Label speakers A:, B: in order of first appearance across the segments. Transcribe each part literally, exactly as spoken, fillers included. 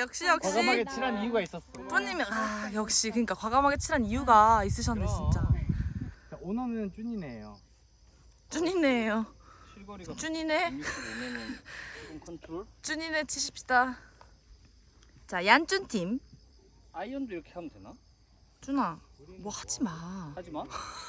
A: 역시 역시.
B: 과감하게 칠한 이유가 있었어.
A: 프로님이 아 역시 그러니까 과감하게 칠한 이유가 있으셨네 진짜.
B: 자, 오너는 쭈니네요.
A: 쭈니네예요.
B: 실거리가
A: 쭈니네.
B: 오면은 조금 컨트롤.
A: 쭈니네 치십시다. 자 얀쭈 팀.
B: 아이언도 이렇게 하면 되나?
A: 쭈나 뭐 하지 마.
B: 하지 마.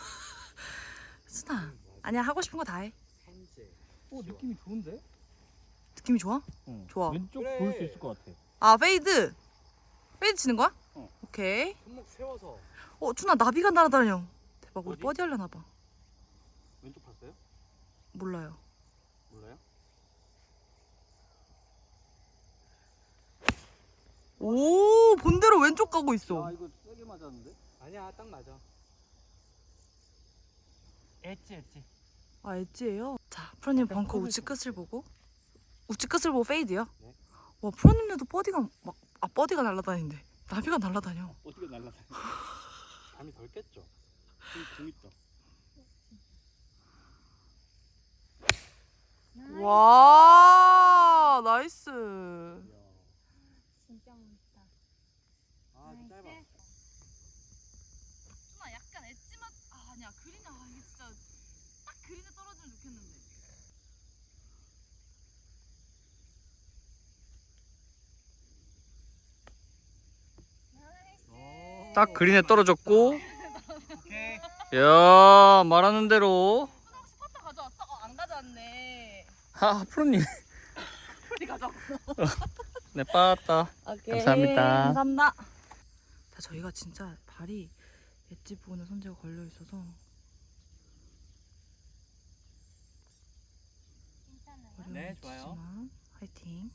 A: 쭈나 아니야 하고 싶은 거 다 해.
B: 오 느낌이 좋은데?
A: 느낌이 좋아?
B: 응.
A: 좋아.
B: 왼쪽
C: 그래.
B: 볼 수 있을 것 같아.
A: 아 페이드. 페이드 치는 거야?
B: 어.
A: 오케이.
C: 손목 세워서.
A: 어 쭈나 나비가 날아다녀. 대박 우리
B: 어디?
A: 버디 하려나 봐.
B: 왼쪽 봤어요?
A: 몰라요.
B: 몰라요?
A: 오 본대로 왼쪽 가고 있어.
B: 아 이거 세게 맞았는데?
C: 아니야, 딱 맞아.
B: 엣지 엣지.
A: 아 엣지예요? 자 프로님 벙커 우측 끝을 보고 우측 끝을 보고 페이드요?
C: 네.
A: 와 프로님네도 버디가 막 아 버디가 날아다니는데 나비가 날아다녀.
B: 어떻게 날라다녀?
C: 감이 덜 깼죠.
B: 좀 재밌다.
A: 와 나이스.
D: 진짜 멋있다.
C: 아, 좀 짧아.
A: 누나 약간 엣지만 아 아니야 그린이 아 이게 진짜 딱 그린에 떨어지면 좋겠는데.
B: 딱 그린에 떨어졌고.
C: 오케이.
B: 야 말하는 대로.
A: 누나 혹시 퍼터 가져왔어? 어, 안 가져왔네.
B: 아 프로님.
A: 프로님 가져왔구나.
B: 네 빠았다.
A: 오케이.
B: 감사합니다.
A: 감사합니다. 자 저희가 진짜 발이 엣지 부분에 손재가 걸려 있어서
D: 괜찮아요.
A: 어려움이
B: 네, 좋아요.
A: 있지만 화이팅.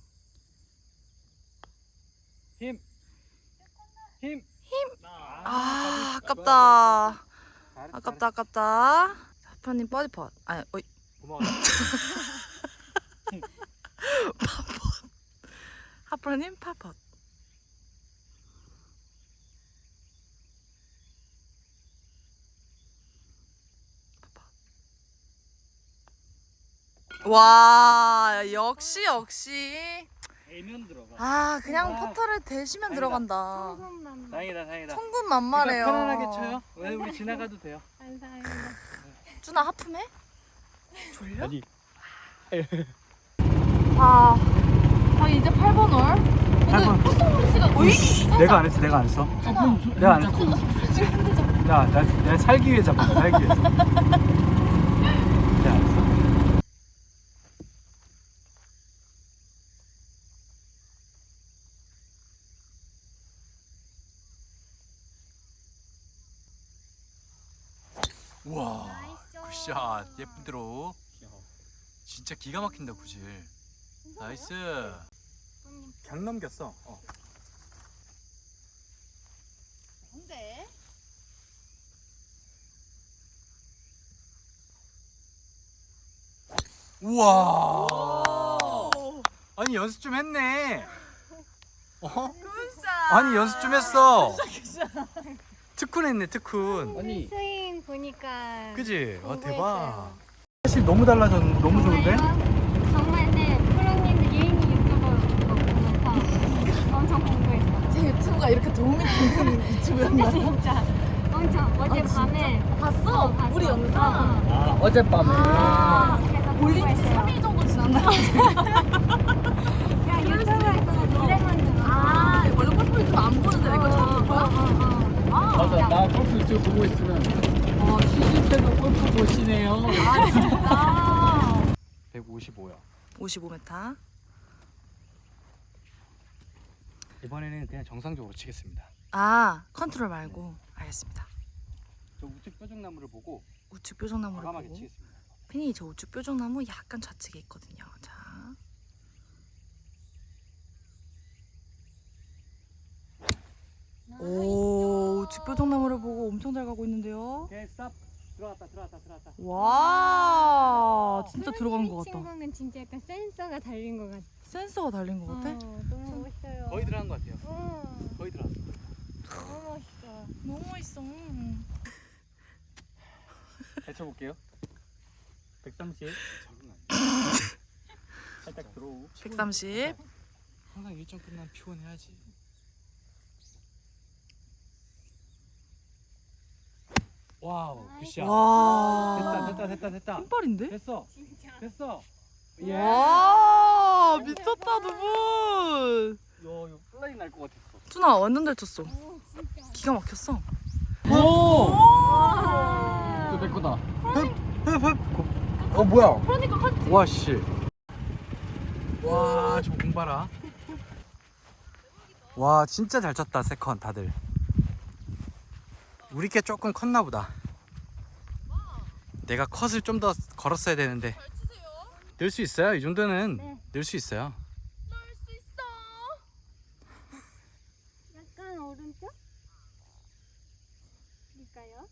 B: 힘. 힘.
A: 아 아깝다.
C: 잘했어,
A: 아깝다 아깝다. 자, 프로님 버디 펫. 아니 어이
C: 고마워.
A: 하프로님 파펫. 와 역시 역시
B: 애면 들어가.
A: 아 그냥
B: 아,
A: 퍼터를 대시면
B: 다행이다.
A: 들어간다.
D: 천금만
B: 다행이다 다행이다.
A: 천군만마래요.
B: 편안하게 쳐요. 왜 우리 지나가도 돼요.
D: 감사합니다.
A: 쭈나 하품해? 졸려?
B: 아니.
A: 자, 저희 이제 팔 번 홀. 근데 코스모리 씨가 오이
C: 내가 안 했어, 내가 안 했어. 내가 안 했어. 야, 나, 내가 살기 위해 잡았다, 살기 위해서. 내가 안 했어.
E: 우와
D: 나이스.
E: 굿샷 예쁜 드로우 진짜 기가 막힌다 구질 나이스
C: 강 넘겼어. 어.
A: 뭔데?
E: 우와 아니 연습 좀 했네 어?
A: 굿샷.
E: 아니 연습 좀 했어 특훈 했네 특훈
B: 아니.
D: 스윙 보니까.
E: 그지? 아
D: 공부했어요.
E: 대박
C: 사실 너무 달라졌, 너무 좋은데?
D: 정말요? 정말 네. 프로님들 예인이 유튜버 보면서 엄청 공부했어.
A: 제 유튜브가 이렇게 도움이 되는
D: 진짜
A: 유튜브였나?
D: 진짜. 엄청 어제
A: 진짜?
D: 밤에
A: 봤어?
D: 어, 봤어.
A: 우리 영상?
D: 어, 어.
B: 아 어젯밤에.
A: 아,
D: 그래서
A: 올린 지
D: 공부했어요.
A: 삼 일 정도 지났나?
D: 야 유튜브에서 노래만 들어.
A: 아, 원래 골프 유튜브 안 보는데 내 거 처음 본 거야? 아,
B: 맞아 나 골프 유튜브 보고 있으면 어 시즌 때도 골프 보시네요.
A: 아 진짜.
E: 백오십오야
A: 오십오 미터.
C: 이번에는 그냥 정상적으로 치겠습니다.
A: 아, 컨트롤 말고. 알겠습니다.
C: 저 우측 뾰족나무를 보고
A: 우측 뾰족나무를
C: 과감하게
A: 보고.
C: 치겠습니다.
A: 핀이 저 우측 뾰족나무 약간 좌측에 있거든요. 자. 오, 우측 뾰족나무를 보고 엄청 잘 가고 있는데요.
C: 오케이, 스탑. 들어갔다, 들어갔다, 들어갔다.
A: 와, 진짜 들어간 것
D: 친
A: 같다.
D: 거는 진짜 약간 센서가 달린 것 같아.
A: 센서가 달린 것 같아?
D: 어, 너무 멋있어요.
C: 거의 들어간 것 같아요.
D: 어,
C: 거의 들어갔어.
D: 너무 멋있어.
A: 너무 멋있어.
C: 잘 쳐볼게요. 백삼십. 적응 안 돼. 살짝 들어오고.
A: 백삼십.
E: 항상 일정 끝나면 피곤해야지. 와우, 굿샷.
A: 와.
E: 됐다, 됐다, 됐다, 됐다.
A: 왼발인데?
E: 됐어,
D: 진짜.
E: 됐어.
A: 와 미쳤다 두 분.
C: 야 이거 플라이 날 것 같았어.
A: 준아 완전 잘 쳤어.
D: 오 진짜.
A: 기가 막혔어.
C: 오!
D: 와.
C: 내 거다.
E: 어, 뭐야?
D: 그러니까 같이.
E: 와, 씨. 와, 저 공 봐라. 와, 진짜 잘 쳤다, 세컨 다들. 우리 게 조금 컸나 보다. 내가 컷을 좀 더 걸었어야 되는데. 늘 수 있어요. 이 정도는
D: 네.
E: 늘 수 있어요.
D: 약간 오른쪽? 일까요?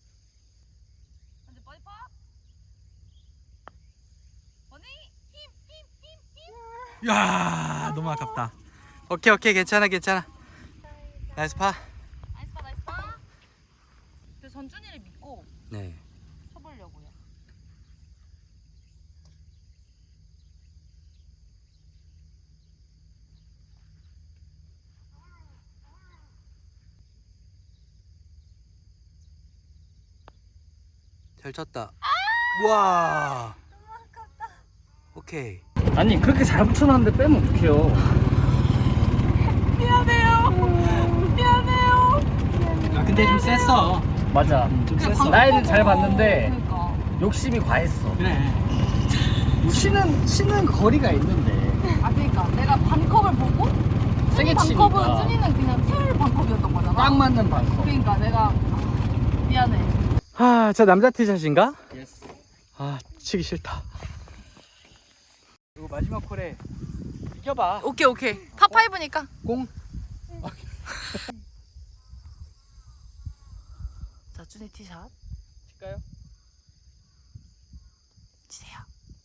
E: 야, 너무 아깝다. 오케이, 오케이, 괜찮아, 괜찮아. 나이스 파.
A: 나이스 파 나이스 파. 근데 전준이를 믿고
E: 네.
A: 쳐보려고요.
E: 잘 쳤다. 와. 오케이.
C: 아니 그렇게 잘 붙여놨는데 빼면 어떡해요.
A: 미안해요. 미안해요.
E: 아, 근데 좀 셌어.
C: 맞아.
E: 좀
A: 그냥
E: 셌어.
C: 나이는 잘 봤는데
A: 그러니까.
C: 욕심이 과했어.
E: 그래.
C: 치는 치는 거리가 있는데
A: 아 그러니까 내가 반컵을 보고
C: 세게
A: 준이 반컵은
C: 치니까
A: 준이는 그냥 태울 반컵이었던 거잖아.
C: 딱 맞는 방커.
A: 그러니까 내가 아, 미안해.
E: 아, 저 남자 티샷인가?
C: 예스.
E: 아, 치기 싫다. 이거 마지막 콜에 이겨봐.
A: 오케이 오케이. 파 파이브니까.
E: 공.
A: 자 준이 티샷
C: 칠까요?
A: 치세요.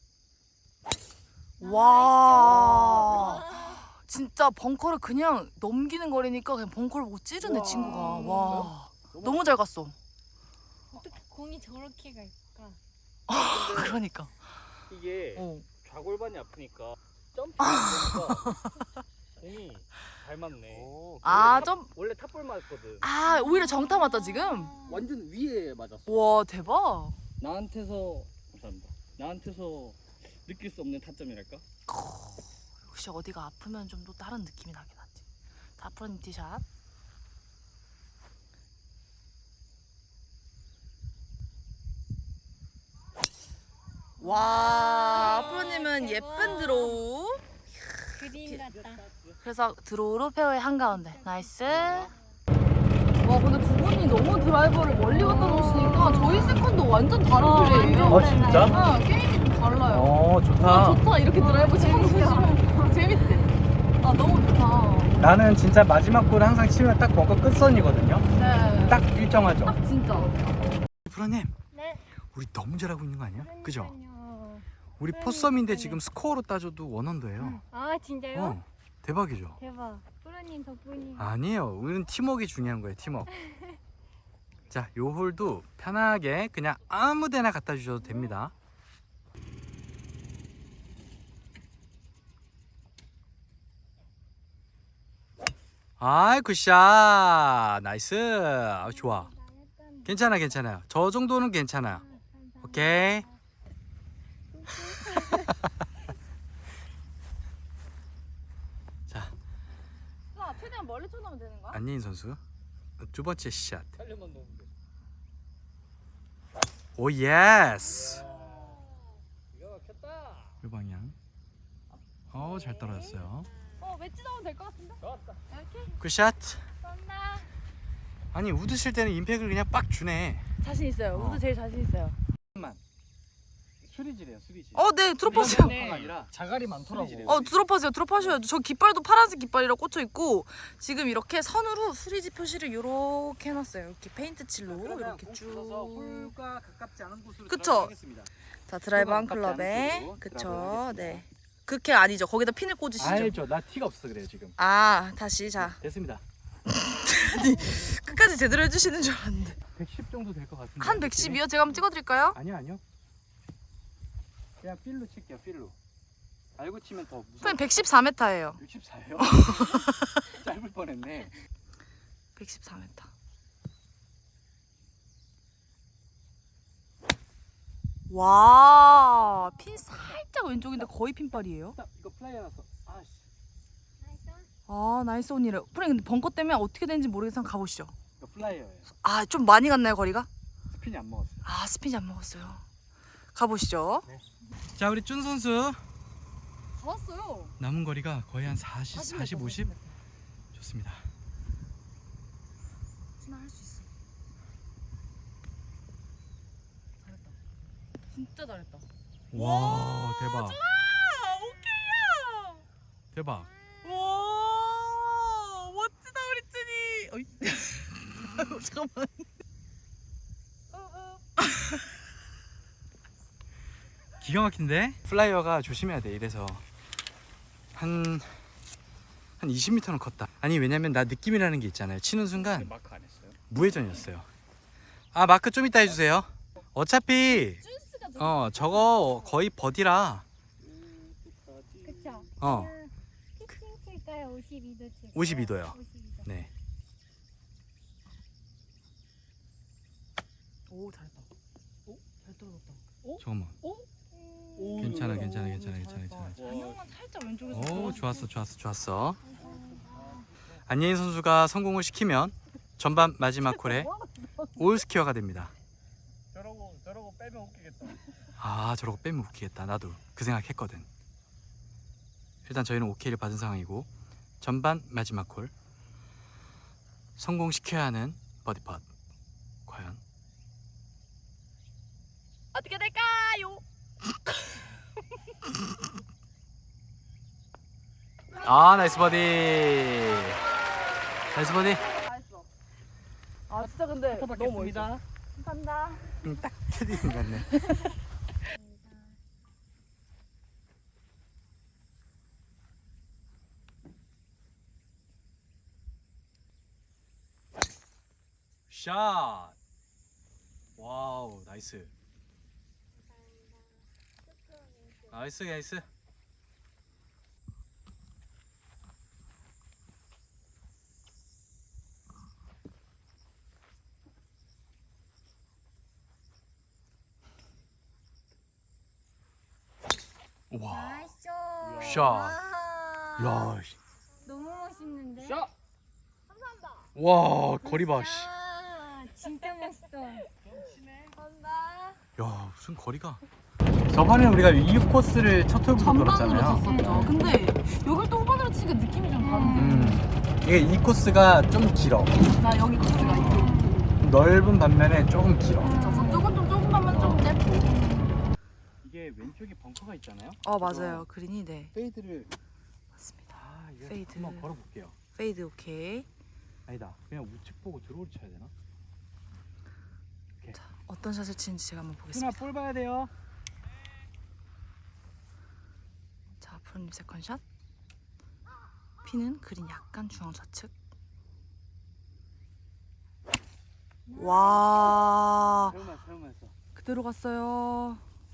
A: 와. 진짜 벙커를 그냥 넘기는 거리니까 그냥 벙커를 못 찌르네
C: 와.
A: 친구가. 와. 너무 잘 갔어.
D: 어떻게 공이 저렇게 갈까?
A: 그러니까.
C: 이게
A: 어.
C: 좌골반이 아프니까 점프하니까 공이 잘 맞네.
A: 아,
C: 원래 탑-
A: 점-
C: 원래 탑볼 맞거든.
A: 아 오히려 정타 맞다 지금.
C: 완전 위에 맞았어.
A: 와 대박.
C: 나한테서 감사합니다. 나한테서 느낄 수 없는 타점이랄까?
A: 역시 어디가 아프면 좀 또 다른 느낌이 나긴 하지. 자 프로님 티샷. 와 프로님은 예쁜 드로우.
D: 그림 같다.
A: 그래서 드로우로 페어의 한가운데. 나이스. 와 근데 두 분이 너무 드라이버를 멀리 갖다 놓으시니까 저희 세컨도 완전 다른
D: 어,
A: 플레이예요.
C: 어 진짜?
A: 아 게임이 좀 달라요.
C: 어
A: 아,
C: 좋다.
A: 좋다 이렇게 드라이버 치는 거 보시면 재밌대. 아 너무 좋다.
E: 나는 진짜 마지막 골 항상 치면 딱 벙커 끝선이거든요.
A: 네.
E: 딱 일정하죠.
A: 딱 진짜.
E: 프로님,
D: 네.
E: 우리 너무 잘하고 있는 거 아니야? 그죠?
D: 그러니까요.
E: 우리
D: 그러니까요.
E: 포썸인데 지금 스코어로 따져도 원언더예요.
D: 아 진짜요?
E: 어, 대박이죠.
D: 대박. 프로님 덕분이.
E: 아니에요. 우리는 팀워크가 중요한 거예요. 팀워크. 자, 요 홀도 편하게 그냥 아무데나 갖다 주셔도 됩니다. 아이 굿샷. 나이스. 아, 좋아. 괜찮아 괜찮아요. 저 정도는 괜찮아요. 오케이. 자,
A: 자 최대한 멀리 쳐놓으면 되는 거야?
E: 안예인 선수 두 번째 샷.
C: 살려만 넣으면 돼.
E: 오 예스.
C: 기가 막혔다.
E: 이 방향. 어, 잘 떨어졌어요.
A: 어 웨지 넣으면 될 것 같은데?
C: 좋았다.
A: 이렇게?
E: 굿샷.
D: 쏜다.
E: 아니 우드 칠 때는 임팩을 그냥 빡 주네.
A: 자신 있어요.
E: 어.
A: 우드 제일 자신 있어요.
C: 수리질이에요 수리질.
A: 어, 네, 드롭하세요.
C: 아니라 자갈이 많더라고.
A: 어, 드롭하세요. 드롭하셔야죠. 저 깃발도 파란색 깃발이라 꽂혀 있고 지금 이렇게 선으로 수리지 표시를 이렇게 해놨어요. 이렇게 페인트 칠로 이렇게 쭉.
E: 홀과 가깝지 않은 곳으로
A: 그쵸?
E: 들어가겠습니다.
A: 자, 드라이버 한
E: 가깝지 않은
A: 클럽에
E: 쪽으로
A: 그쵸.
E: 들어가겠습니다.
A: 네. 그게 아니죠. 거기다 핀을 꽂으시죠.
E: 알죠. 나 티가 없어 그래요 지금.
A: 아, 다시 자.
E: 됐습니다.
A: 끝까지 제대로 해주시는 줄 알았는데.
E: 백십 정도 될 것 같은데.
A: 한 백십이요? 제가 한번 찍어드릴까요?
E: 아니요 아니요. 그냥 필로 칠게요 필로. 알고 치면 더 무서워.
A: 프로님 백십사 미터예요.
E: 육십사예요? 짧을 뻔했네.
A: 백십사 미터. 와, 핀 살짝 왼쪽인데 거의 핀발이에요.
E: 이거 플라이어 나서. 아씨.
A: 아, 나이스 온이래. 프로님 근데 벙커 때문에 어떻게 되는지 모르겠어. 가보시죠.
E: 이거 플라이어예요.
A: 아, 좀 많이 갔나요 거리가?
E: 스핀이 안 먹었어요.
A: 아, 스핀이 안 먹었어요. 가보시죠.
E: 자, 우리 준 선수
A: 잡았어요.
E: 남은 거리가 거의 한 사십, 사십, 오십. 좋습니다.
A: 준아 할 수 있어. 잘했다. 진짜 잘했다.
E: 와, 대박.
A: 아, 오케이야.
E: 대박.
A: 와, 멋지다 우리 준이. 어이. 잠깐만.
E: 기가 막힌데? 플라이어가 조심해야 돼. 이래서 한 한 이십 미터는 컸다. 아니, 왜냐면 나 느낌이라는 게 있잖아요. 치는 순간
C: 마크 안 했어요?
E: 무회전이었어요. 아, 마크 좀 이따 해주세요. 어차피 어 저거 거의 버디라.
D: 그쵸?
E: 어
D: 피칭 칠까요? 오십이 도 칠까요?
E: 오십이 도요.
D: 오십이 도.
E: 네.
A: 오, 잘했다. 오, 잘 떨어졌다. 오?
E: 잠깐만.
D: 음,
E: 괜찮아, 괜찮아, 괜찮아, 괜찮아,
A: 잘했다.
E: 괜찮아.
A: 방향만 살짝 왼쪽에서.
E: 오,
A: 들어왔어.
E: 좋았어, 좋았어, 좋았어. 안예인 선수가 성공을 시키면 전반 마지막 홀에 올 스퀘어가 됩니다.
C: 저러고 저러고 빼면 웃기겠다.
E: 아, 저러고 빼면 웃기겠다. 나도 그 생각했거든. 일단 저희는 오케이를 받은 상황이고, 전반 마지막 홀 성공시켜야 하는 버디 팟. 과연
A: 어떻게 될까요?
E: 아, 나이스 버디. 나이스 버디.
A: 잘했어. 아, 진짜 근데 너무 멋있다.
D: 감사합니다.
E: 음, 딱 캐디인 같네. 샷. 와우, 나이스. 나이스, 나이스. 와.
D: 나이스.
E: 샷.
D: 와.
E: 야.
D: 너무 멋있는데?
C: 샷!
E: 와, 거리 봐. 씨.
D: 아, 진짜 멋있어. 감사합니다.
E: 야, 무슨 거리가. 저번에 우리가 이 코스를 첫 홀부터
A: 전반으로
E: 돌았잖아요.
A: 쳤었죠. 근데 여길 또 후반으로 치니까 느낌이 좀 다른데.
E: 음. 이게 이 코스가 좀 길어.
A: 나 여기 코스가 이쪽.
E: 넓은 반면에 조금 길어.
A: 저쪽은 좀 조금만 좀 짧고.
E: 이게 왼쪽에 벙커가 있잖아요.
A: 어, 맞아요. 그린이 네.
E: 페이드를
A: 맞습니다.
E: 아, 이거
A: 페이드.
E: 한번 걸어 볼게요.
A: 페이드 오케이.
E: 아니다. 그냥 우측 보고 드로우 쳐야 되나?
A: 자, 어떤 샷을 치는지 제가 한번
E: 누나
A: 보겠습니다.
E: 볼 봐야 돼요.
A: 자, 프로님 세컨샷. 피는 그린 약간 중앙 좌측. 와,
E: 세우만 세우면서
A: 그대로 갔어요.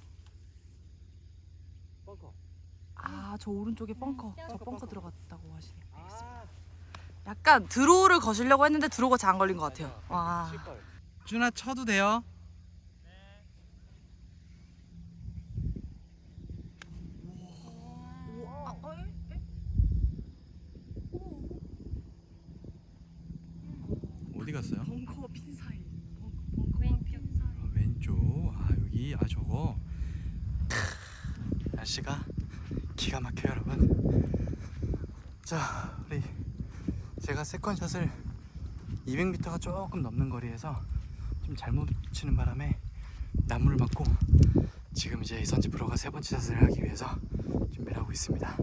E: 벙커.
A: 아, 저 오른쪽에 벙커. 저
E: 벙커,
A: 벙커
E: 벙커.
A: 들어갔다고 하시네.
E: 아,
A: 약간 드로우를 거시려고 했는데 드로우가 잘 안 걸린 것 같아요. 와.
E: 준아 쳐도 돼요. 어디 갔어요?
A: 벙커 핀 사이.
D: 왼쪽.
E: 아, 왼쪽. 아, 여기. 아, 저거. 크, 날씨가 기가 막혀요, 여러분. 자, 우리 제가 세컨샷을 이백 미터가 조금 넘는 거리에서 좀 잘못 치는 바람에 나무를 맞고 지금 이제 이선지 프로가 세 번째 샷을 하기 위해서 준비를 하고 있습니다.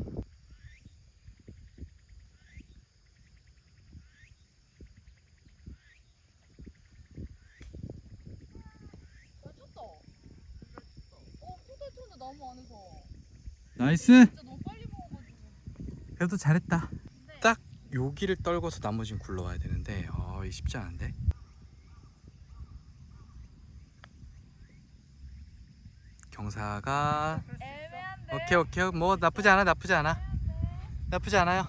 E: 나이스. 그래도 잘했다. 딱 여기를 떨궈서 나머지는 굴러와야 되는데 어, 이 쉽지 않은데. 경사가
A: 애매한데.
E: 오케이 오케이 뭐 나쁘지 않아 나쁘지 않아 나쁘지 않아요.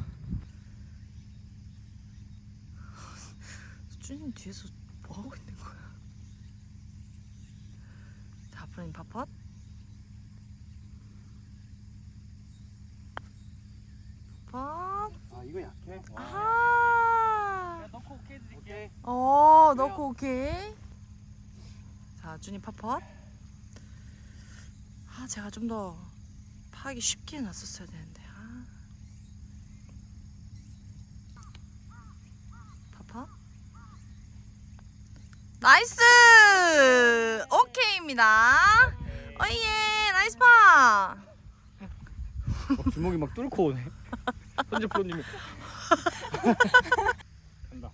A: 수준이 뒤에서 뭐 하고 있는 거야? 자, 아프님 파펫. 파펫.
C: 아 이거 약해.
A: 아하.
C: 넣고 오케이 드릴게.
A: 어, 넣고 오케이. 자, 준이 파펫. 아, 제가 좀 더 파하기 쉽게 놨었어야 되는데. 아. 파펫. 나이스! 오케이입니다. 어이예, 나이스 파.
C: 어, 주먹이 막 뚫고 오네. 현재 프로님이. 간다.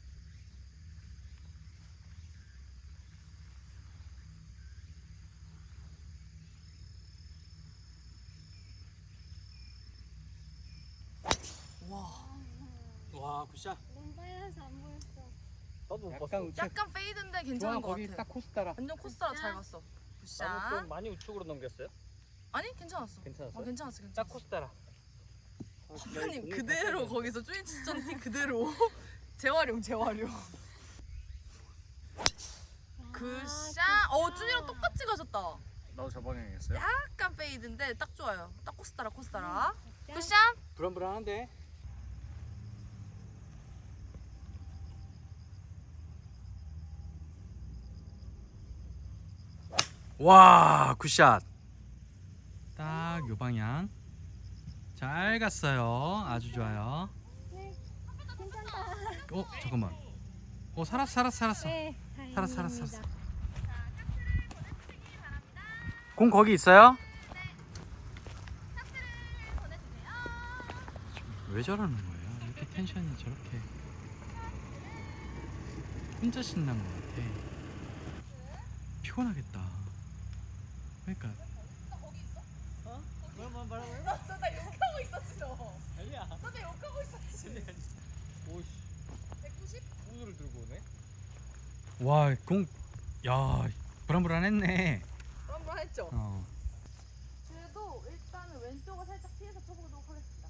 C: 와 굿샷.
D: 너무 빨라서 안 보였어.
C: 나도 못
B: 약간
C: 봤어.
B: 우측.
A: 약간 페이드인데
C: 좋아
A: 괜찮은 것
C: 거기
A: 같아.
C: 딱 코스 따라.
A: 완전 코스타라 잘 갔어.
C: 나는 좀
A: 굿샷.
C: 많이 우측으로 넘겼어요?
A: 아니, 괜찮았어.
C: 괜찮았어요?
A: 어, 괜찮았어, 괜찮았어.
C: 딱 코스 따라.
A: 선배님 그대로 거기서 쭈니 추천 티 그대로 재활용 재활용. 굿샷. 어, 쭈니랑 똑같이 가셨다.
C: 나도 저 방향이었어요?
A: 약간 페이드인데 딱 좋아요. 딱 코스타라 코스타라. 굿샷.
C: 불안불안한데.
E: 와 굿샷. 딱 요 방향 잘 갔어요. 아주 좋아요.
D: 네, 괜찮다.
E: 어 잠깐만. 어 살았어 살았어 살았어.
D: 네,
E: 살았어 살았어
D: 다행입니다.
E: 살았어. 공 거기 있어요? 왜 저러는 거예요? 이렇게 텐션이 저렇게 혼자 신난 것 같아. 피곤하겠다. 그러니까
C: 뭐만 말하고요?
A: 나 욕하고 있었지 너.
C: 아니야.
A: 나 욕하고 있었지.
C: 오씨.
A: 백구십?
C: 우드를 들고 오네.
E: 와 공 야 불안불안했네.
A: 불안불안했죠?
E: 어.
A: 그래도 일단은 왼쪽을 살짝 피해서 쳐보도록 하겠습니다.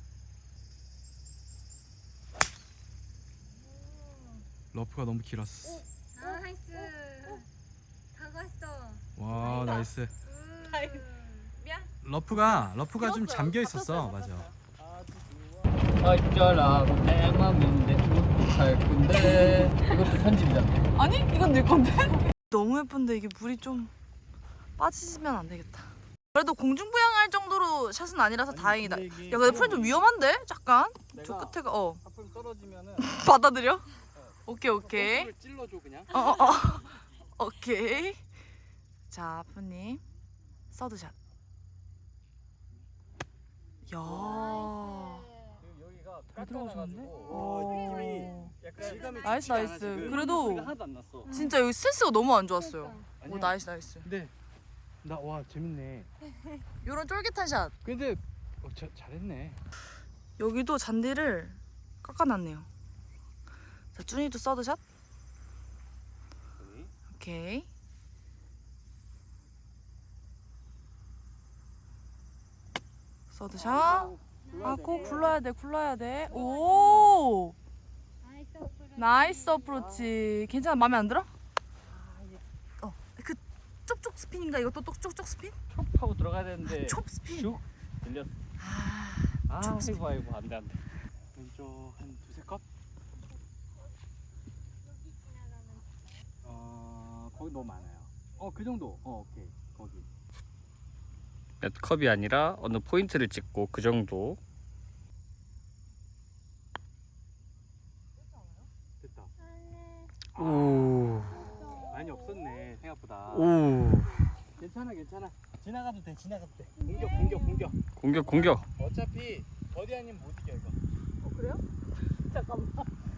E: 러프가 너무 길었어.
D: 아, 나이스. 다 갔어.
E: 와 나이스.
D: 음.
A: 미안.
E: 러프가 러프가 좀
A: 길었어요.
E: 잠겨 있었어.
A: 잡혔어요,
E: 맞아.
C: 어쩌라고 내 맘인데 어떡할 건데. 이것도 편집이잖아.
A: 아니, 이건 내 건데. 너무 예쁜데 이게 물이 좀 빠지면 안 되겠다. 그래도 공중부양할 정도로 샷은 아니라서 다행이다. 야, 근데 프렌 좀 위험한데? 잠깐. 저
C: 내가
A: 끝에가 어
C: 하품 떨어지면은
A: 받아들여? 오케이 오케이.
C: 골프를 찔러줘 그냥.
A: 어, 어, 어. 오케이. 자, 아프님 서드샷. 야.
C: 여기가
A: 잘 들어가셨는데?
C: 깎아놔가지고
A: 오.
C: 약간 질감이
A: 나이스,
C: 좋지 않아,
A: 나이스.
C: 지금.
A: 그래도-
C: 소리가 하나도 안 났어.
A: 진짜 여기 스트레스가 너무 안 좋았어요.
D: 그러니까.
A: 오, 나이스 나이스.
C: 근데 나 와 재밌네.
A: 요런 쫄깃한 샷.
C: 근데 어, 자, 잘했네.
A: 여기도 잔디를 깎아놨네요. 자, 쭈니도 서드샷. 오케이. 서드샷. 아, 꼭 굴러야 돼, 굴러야 돼. 오!
D: 나이스 어프로치.
A: 나이스 어프로치. 괜찮아? 마음에 안 들어? 어, 그 쪽쪽 스핀인가? 이것도 또 쪽쪽 스핀?
C: 촉 하고 들어가야 되는데.
A: 촉 스핀.
C: 슉 들렸어.
A: 아,
C: 아,
A: 촉 스핀.
C: 아이고 아이고 안돼 안돼. 왼쪽 한 두세 컵.
D: 여기 지나가면
C: 어 거기 너무 많아요. 어 그 정도. 어 오케이 거기.
B: 몇 컵이 아니라 어느 포인트를 찍고 그 정도.
C: 됐다.
D: 안에
B: 오.
C: 많이 없었네 생각보다.
B: 오.
C: 괜찮아 괜찮아. 지나가도 돼 지나가도 돼. 공격 공격 공격.
B: 공격 공격.
C: 어차피 버디 아니면 못 이겨 이거.
A: 어, 그래요? 잠깐만.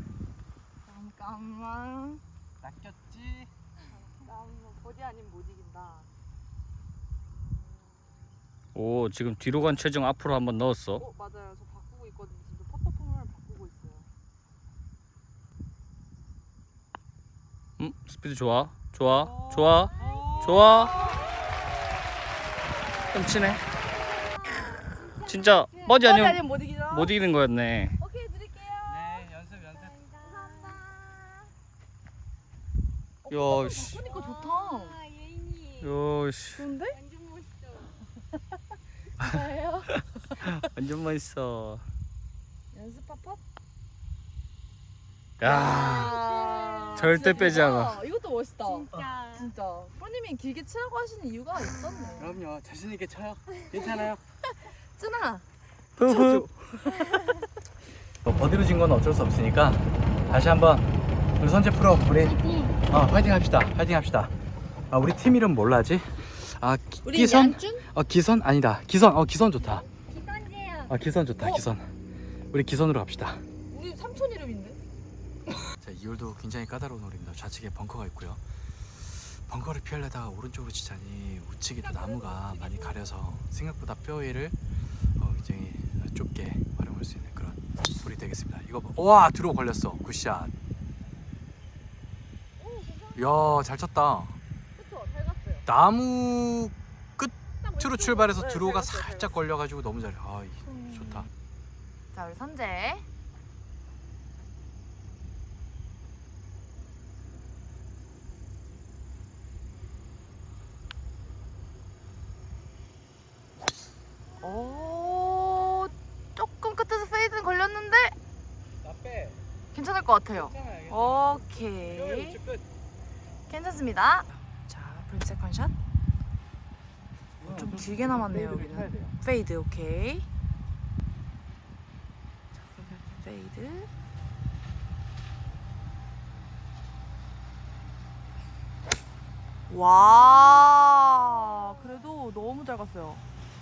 A: 잠깐만.
C: 낚였지.
A: 나 버디 아니면 못 이긴다.
B: 오 지금 뒤로 간 체중 앞으로 한번 넣었어.
A: 어, 맞아요. 저 바꾸고 있거든요. 지금 퍼터폼을 바꾸고 있어요.
B: 음 스피드 좋아 좋아 좋아 좋아. 좀 치네. 진짜 버디 아니면
A: 아니면 못 이기죠?
B: 못 이기는 거였네.
A: 오케이 드릴게요.
E: 네, 연습 연습.
B: 야, 씨.
A: 그러니까 좋다.
D: 아, 예인이
B: 야, 씨.
A: 좋은데?
D: 완전 멋있어.
A: 진짜예요?
B: 완전 멋있어.
A: 연습 팝팝?
B: 야,
A: 아,
B: 절대
A: 진짜
B: 빼지
A: 대박.
B: 않아.
A: 이것도 멋있다.
D: 진짜.
A: 진짜. 프로님이 길게 치라고 하시는 이유가 있었네.
C: 그럼요. 자신 있게 쳐요. 괜찮아요.
A: 쯔나.
B: 후후.
C: 뭐 버디로 진 건 어쩔 수 없으니까 다시 한번 우리 선재 프로 우리
D: 파이팅.
C: 어 파이팅 합시다. 파이팅 합시다. 아 우리 팀 이름 뭘로 하지? 아 기,
A: 우리
C: 기선?
A: 얀준?
C: 어 기선 아니다. 기선. 어 기선 좋다.
D: 기선제요.
C: 아 기선 좋다.
A: 어?
C: 기선. 우리 기선으로 갑시다.
A: 우리 삼촌 이름인데?
E: 자, 이 홀도 굉장히 까다로운 홀입니다. 좌측에 벙커가 있고요. 벙커를 피하려다가 오른쪽으로 치자니 우측에 또 나무가 많이 가려서 생각보다 페어웨이를 어, 굉장히 좁게 활용할 수 있는 그런 홀이 되겠습니다. 이거 봐. 와, 들어 걸렸어. 굿샷. 이야, 잘 쳤다.
A: 그쵸, 잘 갔어요.
E: 나무
A: 딱
E: 끝으로
A: 왼쪽으로-
E: 출발해서
A: 네,
E: 드로우가
A: 잘 갔어요, 잘
E: 살짝
A: 갔어요.
E: 걸려가지고 너무 잘해. 아, 이, 좋다.
A: 자, 우리 선재. 오, 조금 끝에서 페이드는 걸렸는데
E: 나 빼.
A: 괜찮을 것 같아요.
E: 괜찮아.
A: 오케이.
E: 끝.
A: 괜찮습니다. 자, 브레이크 세컨샷. 좀 길게 남았네요, 여기는. 페이드, 오케이. 자, 그러면 페이드. 와, 그래도 너무 잘 갔어요.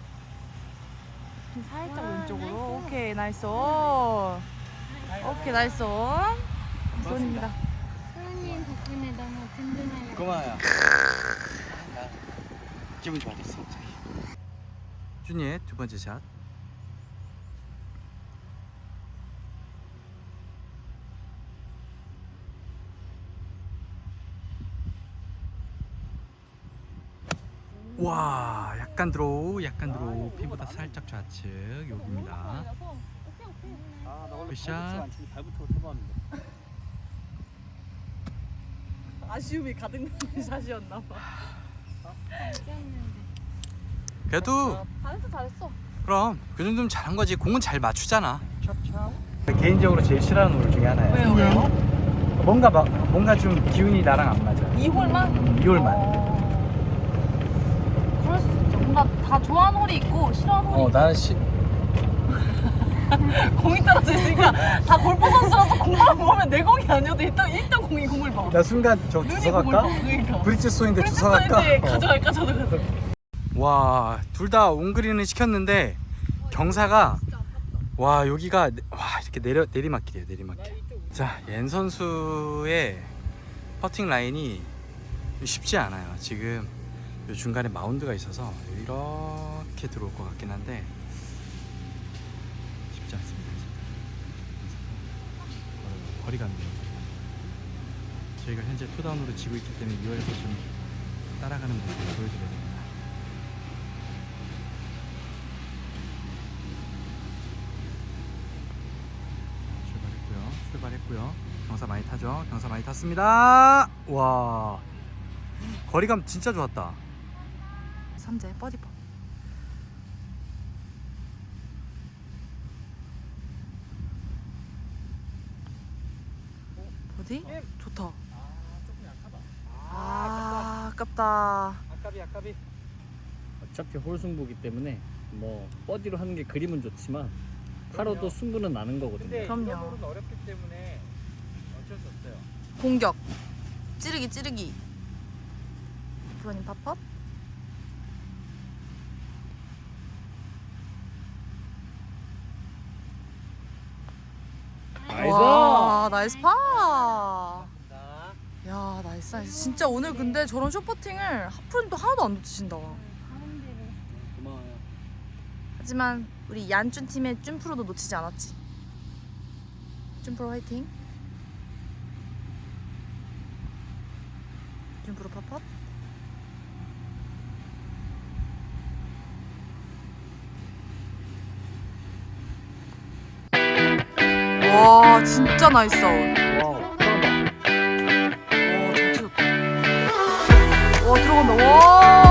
A: 살짝
D: 와,
A: 왼쪽으로.
D: 나이스.
A: 오케이, 나이스 온. 오케이, 나이스 온. 나이스 온입니다.
D: 프로님 덕분에 너무 든든해요.
C: 고마워요. 기분 좋아졌어 갑자기.
E: 준이의 두 번째 샷. 와, 약간 드로우, 약간 드로우. 피보다 살짝 좌측 여기입니다.
C: 아나
E: 원래 굿샷. 발
C: 잘 붙여 쳐봤는데.
A: 아쉬움이 가득나는 샷이었나 봐.
E: 그래도
A: 잘했어, 잘했어.
E: 그럼 그 정도면 잘한 거지. 공은 잘 맞추잖아.
C: 개인적으로 제일 싫어하는 홀 중에 하나예요.
A: 왜요, 왜요?
C: 뭔가 막 뭔가 좀 기운이 나랑 안 맞아.
A: 이 홀만?
C: 이 홀만.
A: 그럴 수 있죠. 뭔가 다 좋아하는 홀이 있고 싫어하는 홀이
C: 어 나는 시,
A: 있고 공이 떨어져 있으니까 다 골프 선수라서 공만 보면 내 공이 아니어도 일단 일단 공이 공을 봐.
C: 나 순간 저
A: 눈이
C: 주워
A: 공을
C: 갈까?
A: 봐. 그러니까.
C: 브릿지 스윙인데
A: 브릿지
C: 주워 갈까?
A: 스윙인데
C: 어.
A: 가져갈까 저도 가서.
E: 와, 둘 다 온그린을 시켰는데 경사가 와, 여기가 와, 이렇게 내려 내리막길이에요, 내리막길. 자, 옌 선수의 퍼팅 라인이 쉽지 않아요. 지금 요 중간에 마운드가 있어서 이렇게 들어올 것 같긴 한데 쉽지 않습니다. 지금. 거리가 안 돼요. 저희가 현재 투다운으로 지고 있기 때문에 유월에서 좀 따라가는 모습을 보여드려야 됩니다. 출발했고요. 출발했고요. 경사 많이 타죠. 경사 많이 탔습니다. 와, 거리감 진짜 좋았다.
A: 삼재 버디퍼. 버디? 좋다.
C: 조금 약하다.
A: 아, 아깝다.
C: 아깝이 아깝이.
B: 어차피 홀 승부기 때문에 뭐 버디로 하는 게 그림은 좋지만 파로도 승부는 나는 거거든요.
C: 근데
A: 그럼요.
C: 이런 홀은 어렵기 때문에 어쩔 수 없어요.
A: 공격. 찌르기 찌르기. 프로님 팝업.
B: 나이스.
A: 와, 나이스 파.
C: 자,
A: 야, 나이스 나이스. 진짜 오늘 근데 저런 숏퍼팅을 하프님도 하나도 안 놓치신다.
D: 가운데로.
C: 고마워요.
A: 하지만 우리 얀쭌 팀의 쭌 프로도 놓치지 않았지. 쭌 프로 화이팅. 쭌 프로 팝업. 와 진짜 나이스 아웃.
B: 와, 들어간다.
A: 와 잘 치셨다. 와 들어간다. 와.